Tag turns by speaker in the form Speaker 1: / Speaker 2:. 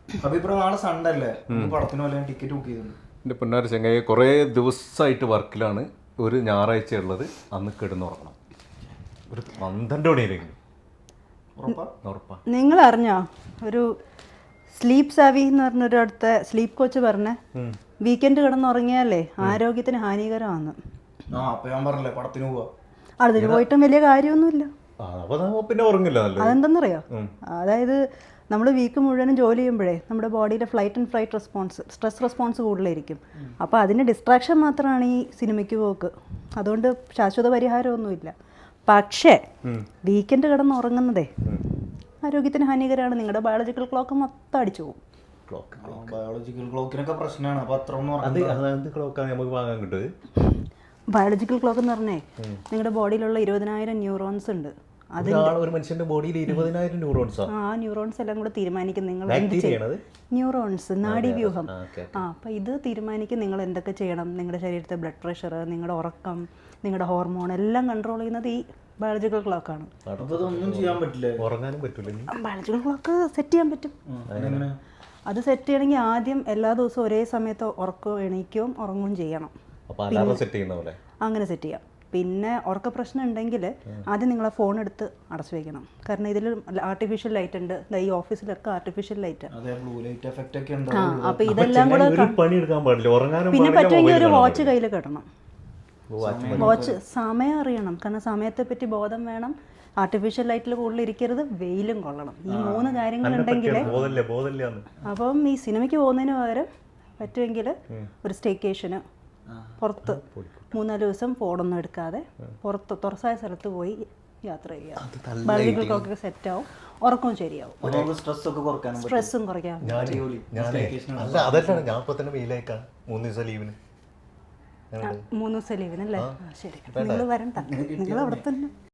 Speaker 1: അപ്പൊ ഇപ്പൊ നാളെ സൺഡേ അല്ലേ, പടത്തിന് പോലെ ടിക്കറ്റ് ബുക്ക് ചെയ്തിട്ടുണ്ട്.
Speaker 2: എൻ്റെ പൊന്നാര ചങ്ങായി കുറേ ദിവസമായിട്ട് വർക്കിലാണ്. ഒരു ഞായറാഴ്ച ഉള്ളത്, അന്ന് കിടന്നുറങ്ങണം. ഒരു 12 മണിയിലെങ്കിലും ഉറപ്പാ.
Speaker 3: നിങ്ങൾ അറിഞ്ഞോ ഒരു സ്ലീപ്പ് സാവി എന്ന് പറഞ്ഞൊരു അടുത്ത സ്ലീപ്പ് കോച്ച് പറഞ്ഞേ വീക്കെൻഡ് കിടന്നുറങ്ങിയാലേ ആരോഗ്യത്തിന് ഹാനികരമാണ്.
Speaker 1: അപ്പൊ ഞാൻ പറഞ്ഞില്ലേ പടത്തിന് പോവാ.
Speaker 3: അതിന് പോയിട്ടും വലിയ കാര്യമൊന്നുമില്ല.
Speaker 2: പിന്നെ ഉറങ്ങില്ല.
Speaker 3: അതെന്തെന്നറിയോ, അതായത് നമ്മൾ വീക്ക് മുഴുവനും ജോലി ചെയ്യുമ്പോഴേ നമ്മുടെ ബോഡിയിലെ flight and flight response, stress response കൂടുതലായിരിക്കും. അപ്പോൾ അതിന് ഡിസ്ട്രാക്ഷൻ മാത്രമാണ് ഈ സിനിമയ്ക്ക് പോക്ക്. അതുകൊണ്ട് ശാശ്വത പരിഹാരമൊന്നുമില്ല. പക്ഷേ വീക്കെൻഡ് കിടന്ന് ഉറങ്ങുന്നതേ ആരോഗ്യത്തിന് ഹാനികരമാണ്. നിങ്ങളുടെ ബയോളജിക്കൽ ക്ലോക്ക് മൊത്തം അടിച്ചു പോകും.
Speaker 1: ബയോളജിക്കൽ ക്ലോക്കിനൊക്കെ പ്രശ്നമാണ്. അപ്പൊ അത്ര
Speaker 3: ബയോളജിക്കൽ ക്ലോക്ക് എന്ന് പറഞ്ഞേ നിങ്ങളുടെ ബോഡിയിലുള്ള 20,000 ന്യൂറോൺസ് ഉണ്ട്.
Speaker 2: ഒരു മനുഷ്യന്റെ ബോഡിയിൽ 20,000 ന്യൂറോൺസ്.
Speaker 3: ആ ന്യൂറോൺസ് എല്ലാം കൂടെ തീരുമാനിക്കും നിങ്ങൾ എന്ത് ചെയ്യണം. ന്യൂറോൺസ്, നാഡീവ്യൂഹം. അപ്പോൾ ഇത് തീരുമാനിക്കും നിങ്ങൾ എന്തൊക്കെ ചെയ്യണം. നിങ്ങളുടെ ശരീരത്തെ ബ്ലഡ് പ്രഷർ, നിങ്ങളുടെ ഉറക്കം, നിങ്ങളുടെ ഹോർമോൺ എല്ലാം കൺട്രോൾ ചെയ്യുന്നത് ഈ ബയോളജിക്കൽ ക്ലോക്കാണ്.
Speaker 2: ഉറങ്ങാനും പറ്റില്ല.
Speaker 3: ബയോളജിക്കൽ ക്ലോക്ക് സെറ്റ് ചെയ്യാൻ പറ്റും. അത് സെറ്റ് ചെയ്യണമെങ്കിൽ ആദ്യം എല്ലാ ദിവസവും ഒരേ സമയത്ത് എണീക്കുകയും ഉറങ്ങുകയും ചെയ്യണം. അങ്ങനെ സെറ്റ് ചെയ്യാം. പിന്നെ ഉറക്ക പ്രശ്നം ഉണ്ടെങ്കിൽ ആദ്യം നിങ്ങൾ ആ ഫോൺ എടുത്ത് അടച്ചു വെക്കണം. കാരണം ഇതിൽ ആർട്ടിഫിഷ്യൽ ലൈറ്റ് ഉണ്ട്. ഈ ഓഫീസിലൊക്കെ ആർട്ടിഫിഷ്യൽ ലൈറ്റ്. അപ്പോൾ ഇതെല്ലാം കൂടെ പിന്നെ പറ്റുമെങ്കിൽ ഒരു വാച്ച് കയ്യിൽ കിടണം. വാച്ച് സമയം അറിയണം. കാരണം സമയത്തെ പറ്റി ബോധം വേണം. ആർട്ടിഫിഷ്യൽ ലൈറ്റിൽ കൂടുതൽ ഇരിക്കരുത്. വെയിലും കൊള്ളണം. ഈ 3 കാര്യങ്ങളുണ്ടെങ്കിൽ അപ്പം ഈ സിനിമയ്ക്ക് പോകുന്നതിന് പകരം പറ്റുമെങ്കിൽ ഒരു സ്റ്റേക്കേഷന് പുറത്ത് 3-4 ദിവസം ഫോണൊന്നും എടുക്കാതെ പുറത്ത് തുറസായ സ്ഥലത്ത് പോയി യാത്ര ചെയ്യുക. ബയോളജിക്കൽ ക്ലോക്കൊക്കെ സെറ്റ് ആവും, ഉറക്കവും ശരിയാവും, സ്ട്രെസ്സും കുറയ്ക്കാം. 3 ദിവസം ലീവിനല്ലേ? ശരി, നിങ്ങൾ വരണ്ട, നിങ്ങൾ അവിടെ തന്നെ.